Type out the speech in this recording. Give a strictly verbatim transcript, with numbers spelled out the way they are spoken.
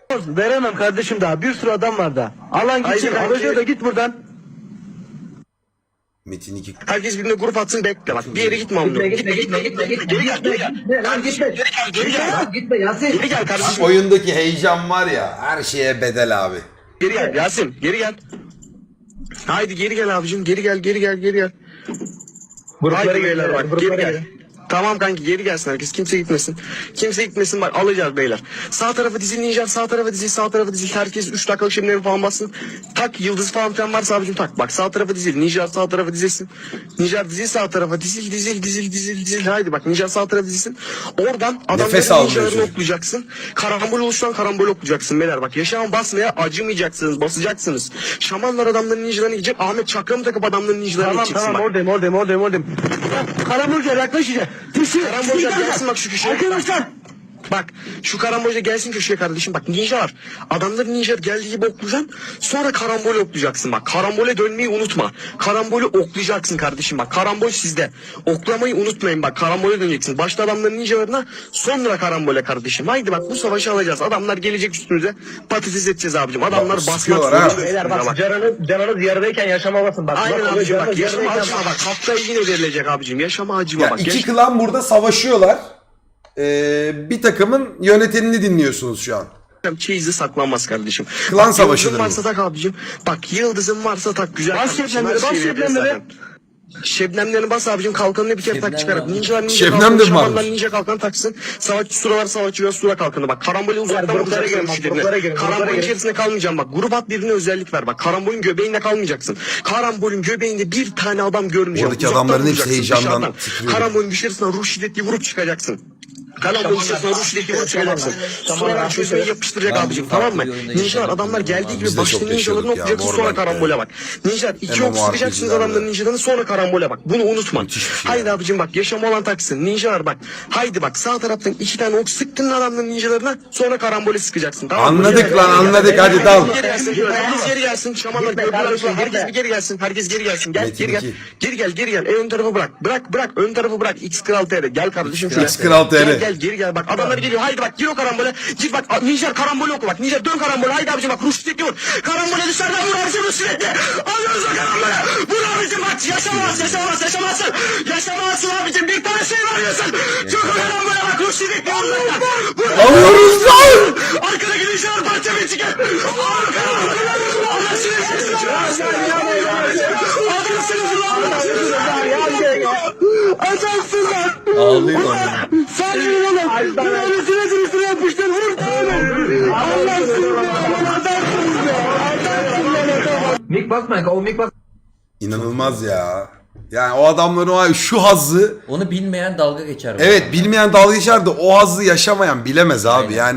Veremem kardeşim daha. Bir sürü adam var da. Alan gitsin. Alacak da git buradan. Metin iki. Herkes birbirine grup atsın bekle bak. Bir yere gitme amına. Gitme gitme gitme gitme gitme. Geri gel geri gel. Gitme lan gitme. Geri gel geri gel. Gitme Yasin. Geri gel kardeşim. Oyundaki heyecan var ya, her şeye bedel abi. Geri gel Yasin geri gel. Haydi geri gel abicim geri gel geri gel geri gel. Gruplara Haydi beyler bak gruplara geri gel. gelin. Tamam kanki geri gelsin herkes. Kimse gitmesin. Kimse gitmesin bak alacağız beyler. Sağ tarafa dizil Ninja, sağ tarafa dizil, sağ tarafa dizil. Herkes üç dakikalık şimdileri falan bassın. Tak yıldız falan filan varsa abicim tak. Bak sağ tarafa dizil. Ninja sağ tarafa dizilsin. Ninja dizil sağ tarafa dizil dizil dizil dizil dizil. Haydi bak Ninja sağ tarafa dizilsin. Oradan Nefes adamların almıyorsun. ninjalarını oklayacaksın. Karambol oluşan karambol oklayacaksın beyler. Bak yaşam basmaya acımayacaksınız. Basacaksınız. Şamanlar adamların ninjalarını gidecek. Ahmet çakramı takıp adamların ninjalarını Tamam gideceksin. tamam Bak. oradayım oradayım oradayım oradayım. Karambolca yaklaşacak. Tüsü. Karambolca gelsin bak şu köşeye. Arkadaşlar. Bak şu karambolca gelsin köşeye kardeşim. Bak ninja var. Adamların ninja geldiği gibi oklayacaksın. Sonra karambole oklayacaksın bak. Karambole dönmeyi unutma. Karambole oklayacaksın kardeşim bak. Karambol sizde. Oklamayı unutmayın bak. Karambole döneceksin. Başta adamların ninjalarına sonra karambole kardeşim. Haydi bak bu savaşı alacağız. Adamlar gelecek üstümüze. Patates edeceğiz abicim. Adamlar Bak, basmak sıkıyorlar ha. zorunda. Beyler bak canınız, canınız yarıdayken yaşamalısın bak. Aynen bak, abicim canınız bak. Yaşama yarıdayken acıma bak. Haftaya yine verilecek abicim. Yaşama acıma Ya bak. iki Yaş- klan burada savaşıyorlar. Ee, bir takımın yönetenini dinliyorsunuz şu an. Çeyizi saklanmaz kardeşim. Klan Bak, savaşıdır yıldızın varsa bu. tak abicim. Bak yıldızın varsa tak güzel. Bas kardeşim, şebnemleri, her bas şeyi veririz şebnemleri. zaten. Şebnemlerini bas abicim kalkanını bir kere tak çıkar. Ninjalar ninja Şebnem kalkanı, de mi şamanlar varmış? ninja kalkanı taksın. Savaşçı suralar savaşçı ve sura kalkanı. Bak karambole uzaktan gruplara vuracaksın girin, bak, müşterine. gruplara girin, gruplara Karambolün girin. içerisinde kalmayacaksın bak. Grup at birbirine özellik ver bak. Karambolün göbeğinde kalmayacaksın. Karambolün göbeğinde bir tane adam görmeyeceksin. Oradaki Uzaktan adamların hepsi vuracaksın, heyecandan dışarıdan. titriyor. Karambolün dışarısına ruh şiddetli vurup çıkacaksın. Karambolün içerisine ruh şiddetli vurup çıkacaksın. Suralar çözmeyi yapıştıracak Ben abicim bugün tamam mı? farklı bir oyunda Ninjalar yaşadım. adamlar geldiği gibi Biz de başta çok ninjalarını yaşadık ya, okuyacaksın sonra Morbank'ta. karambole bak. Ninjalar iki ok sıkacaksınız MMORPG'lerde. adamların ninjalarını sonra karambole bak. Bunu unutma. Müthiş bir şey Haydi ya. abicim bak yaşama olan taksın. Ninjalar bak. Haydi bak sağ taraftan iki tane ok sıktın adamların ninjalarına sonra karambole sıkacaksın. Tamam mı? Anladık Geri lan, gel, anladık, geri hadi gel. dal. Geri gelsin. Herkes geri gelsin. Şamanlar Gitme, gördüler. kardeşim, Herkes hadi. bir geri gelsin. Herkes geri gelsin. Gel Metin geri gel. iki. Geri gel geri gel. E, ön tarafı bırak. Bırak bırak. Ön tarafı bırak. X Kral T R. Gel kardeşim şuraya. X Kral T R. Gel gel geri gel. Bak adamlar geliyor. Haydi bak gir o karambole. Git bak Ninja karambole oku bak. Ninja dön karambole. Haydi abicim bak. Ruş sürekli vur. Karambole dışarıdan vur abicim ruş sürekli. Alıyoruz o karambole. Vur abicim bak. Yaşamaz yaşamaz yaşamazsın. Yaşamazsın abicim. Bir tane şey varıyorsun. Çok o karambole bak. Ruş sürekli vur. Vur. Alıyoruz lan! Arkadaki ninjalar parça bir çıkar. Adamsınız lan. Adamsın lan. Ağlıyor lan. Sen yürü oğlum. Böyle süre süre yapıştır. Vur tane. Allah'sın ya. Adamsın ya. Adamsın lan adam. Mik basmayın. O mik bas. İnanılmaz ya. Yani o adamların o şu hazzı, Onu bilmeyen dalga geçer. bu evet arada. bilmeyen dalga geçer de o hazzı yaşamayan bilemez abi. Yani